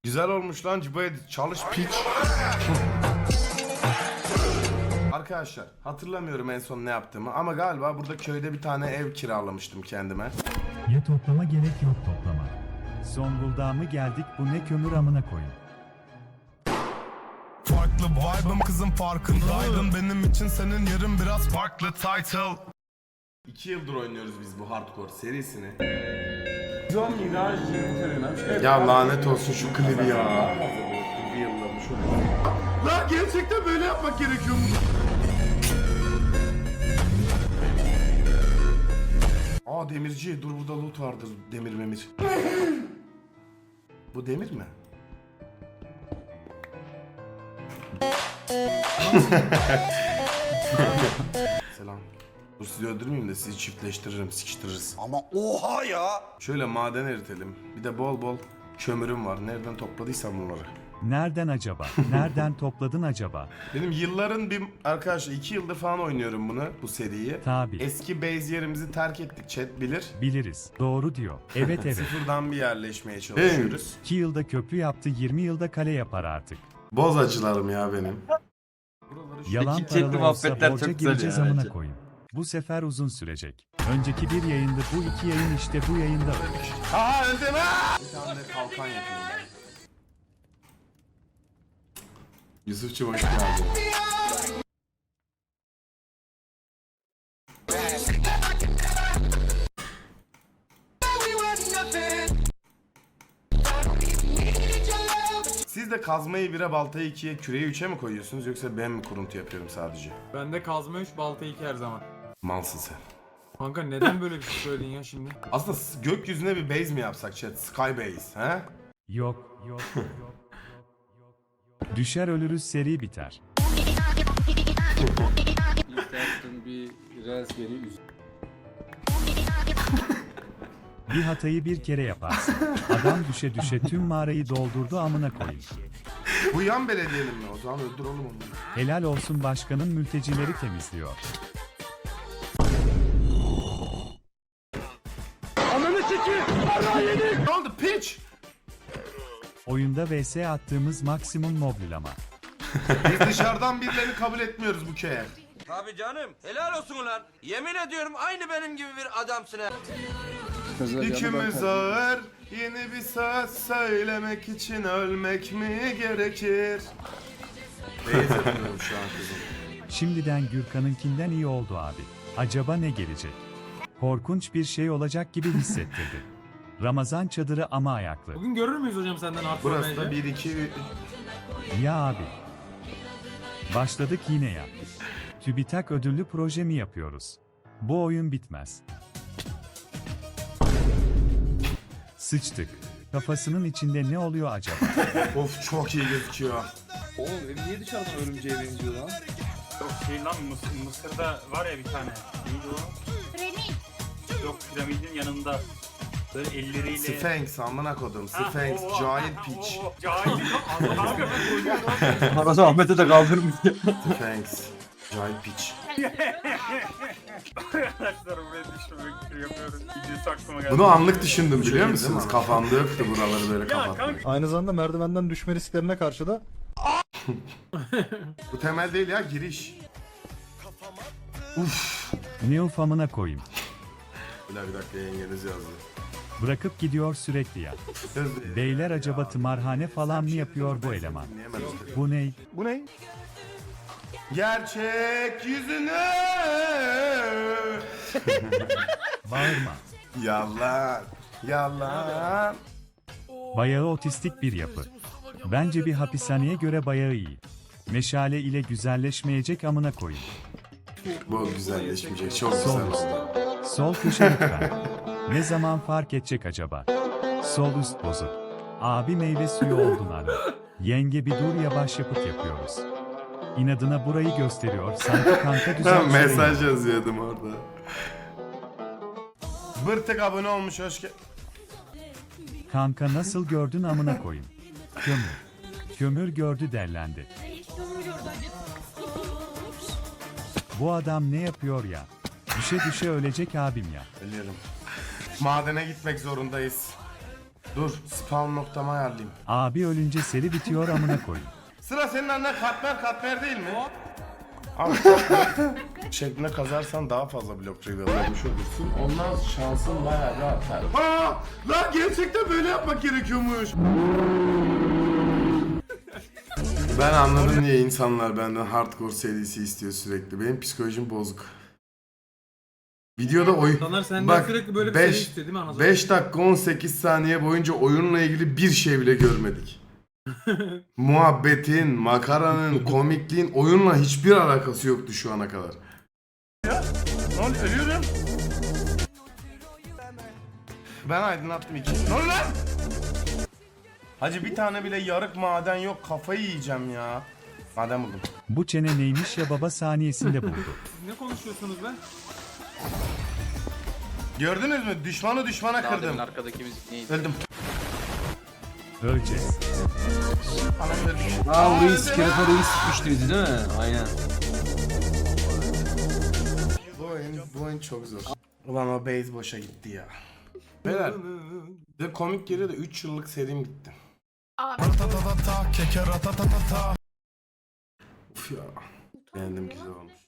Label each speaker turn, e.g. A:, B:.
A: Güzel olmuş lan Cibo'ya çalış piç. Arkadaşlar hatırlamıyorum en son ne yaptığımı ama galiba burada köyde bir tane ev kiralamıştım kendime.
B: Ya toplama gerek yok toplama. Zonguldak'a mı geldik bu ne kömür amına koyun.
A: Farklı vibe'ım kızım farkındaydın. Benim için senin yerin biraz farklı title. 2 yıldır oynuyoruz biz bu hardcore serisini. Ya lanet olsun şu klibi ya. Lan gerçekten böyle yapmak gerekiyor mu? Aa demirci, dur burada loot vardır, demir memir. Bu demir mi? Selam. Dur sizi öldürmeyeyim de sizi çiftleştiririm, sıkıştırırız.
C: Ama oha ya!
A: Şöyle maden eritelim. Bir de bol bol kömürüm var. Nereden topladıysam bunları.
B: Nereden acaba? Nereden topladın acaba?
A: Benim yılların bir arkadaşlar 2 yıldır falan oynuyorum bunu, bu seriyi.
B: Tabi.
A: Eski base yerimizi terk ettik, chat bilir.
B: Biliriz. Doğru diyor. Evet evet.
A: Sıfırdan bir yerleşmeye çalışıyoruz.
B: 2 yılda köprü yaptı 20 yılda kale yapar artık.
A: Boz acılarım ya benim.
B: Yalan
D: Chatli
B: paralı olsa
D: muhabbetler
B: borca
D: çok güzel
B: gireceğiz
D: ya
B: amına
D: bence.
B: koyun. Bu sefer uzun sürecek. Önceki bir yayında bu 2 yayın işte bu yayında ölmüş.
A: Aa öldüm ha! Bir tane de kalkan yapayım ben. Yusufçum hoş geldin. Siz de kazmayı 1'e, baltayı 2'ye, küreği 3'e mi koyuyorsunuz yoksa ben mi kuruntu yapıyorum sadece?
E: Bende kazma 3, balta 2 her zaman.
A: Malsın sen.
E: Kanka neden böyle bir şey söyledin ya şimdi?
A: Aslında gökyüzüne bir base mi yapsak chat? Sky base, he?
B: Yok. Düşer ölürüz seri biter.
D: İstersen bir Raspberry üst.
B: Bir hatayı bir kere yaparsın. Adam düşe düşe tüm mağarayı doldurdu amına koyayım.
A: Bu yan belediyenin mi? O zaman öldür oğlum onu.
B: Helal olsun başkanın mültecileri temizliyor.
A: Ne oldu piç?
B: Oyunda vs attığımız maksimum moblilama.
A: Biz dışarıdan birilerini kabul etmiyoruz bu köye.
F: Tabii canım. Helal olsun ulan. Yemin ediyorum aynı benim gibi bir adamsın ha.
A: Yükümüz ağır, yeni bir söz söylemek için ölmek mi gerekir? Beyaz yapıyorum şu an kızım.
B: Şimdiden Gürkan'ınkinden iyi oldu abi. Acaba ne gelecek? Korkunç bir şey olacak gibi hissettirdi. Ramazan çadırı ama ayaklı.
E: Bugün görür müyüz hocam senden hardcore
A: Burası da
E: bence?
A: 1, 2,
B: Ya abi. Başladık yine ya. TÜBİTAK ödüllü proje mi yapıyoruz? Bu oyun bitmez. Sıçtık. Kafasının içinde ne oluyor acaba?
A: Of çok iyi gözüküyor.
D: Oğlum ev niye dışarıdan örümceğe benziyor lan?
G: Yok şey lan Mısır'da var ya bir tane. Neydi o? Yok piramidin yanında. Böyle elleriyle...
A: Sphinx amına kodum. Sphinx, cahil piç.
G: Cahil. Kanka ben oynuyorum.
D: Arada Ahmet'e de kaldırmış.
A: Sphinx, cahil piç.
G: Arkadaşlar buraya düşürmek yapıyoruz. Videosu aklıma geldi.
A: Bunu anlık düşündüm biliyor musunuz? Kafamda yoktu buraları böyle
G: Ya
A: kapatmak.
G: kanka.
H: Aynı zamanda merdivenden düşme risklerine karşı da
A: Bu temel değil ya, giriş. Uf.
B: Ne ufamına koyayım.
A: Bir dakika yengeniz yazdı.
B: Bırakıp gidiyor sürekli ya.
A: Söz-
B: Beyler acaba tımarhane falan mı yapıyor bu eleman?
A: Dinleyemedim.
B: Bu ne?
H: bu ne?
A: Gerçek yüzünü.
B: Bağırma.
A: Yalan. Yalan.
B: Bayağı otistik bir yapı. Bence bir hapishaneye göre bayağı iyi. Meşale ile güzelleşmeyecek amına koyayım.
A: Bu güzelleşmeyecek. Çok
B: Sol
A: güzel
B: üst.
A: oldu.
B: Sol köşe lütfen. Ne zaman fark edecek acaba? Sol üst bozuk. Abi meyve suyu oldun abi. Yenge bir dur yavaş yapıt yapıyoruz. İnadına burayı gösteriyor. Sanki kanka düzen
A: Ben mesaj yazıyordum orada. Bırtık abone olmuş, hoş geldin.
B: Kanka nasıl gördün amına koyayım. Kömür. Kömür gördü derlendi. Bu adam ne yapıyor ya? Düşe düşe ölecek abim ya.
A: Ölüyorum. Madene gitmek zorundayız. Dur spawn noktamı ayarlayayım.
B: Abi ölünce seri bitiyor amına koyun.
A: Sıra senin annen katmer değil mi? Abi şeklinde kazarsan daha fazla blok reveal'lamış olursun. Ondan şansın bayağı bir artar. Aa! Lan gerçekten böyle yapmak gerekiyormuş. Ben anladım niye insanlar benden hardcore serisi istiyor sürekli. Benim psikolojim bozuk. Videoda
E: İnsanlar senden sürekli böyle bir seri istiyor değil mi anasını?
A: 5 dakika 18 saniye boyunca oyunla ilgili bir şey bile görmedik. Muhabbetin, makaranın, komikliğin oyunla hiçbir alakası yoktu şu ana kadar. Ya, ne oluyor? Ölüyorum. Ben aydınlattım iki. Ne oluyor lan? Hacı bir tane bile yarık maden yok. Kafayı yiyeceğim ya. Maden buldum.
B: Bu çene neymiş ya baba saniyesinde buldu.
E: Ne konuşuyorsunuz be?
A: Gördünüz mü? Düşmanı düşmana kırdım.
F: Arkadaki müzik neydi?
A: Öldüm.
B: Öleceğiz.
A: Anam ölmüş.
D: Aa burayı iskelete reis sıkmıştı bizi değil mi? Aynen.
A: Bu oyun çok zor. Ulan o base boşa gitti ya. Beyler, de komik geliyor da 3 yıllık serim gitti.
C: Abi.
A: Uf ya. Beğendim, güzel olmuş.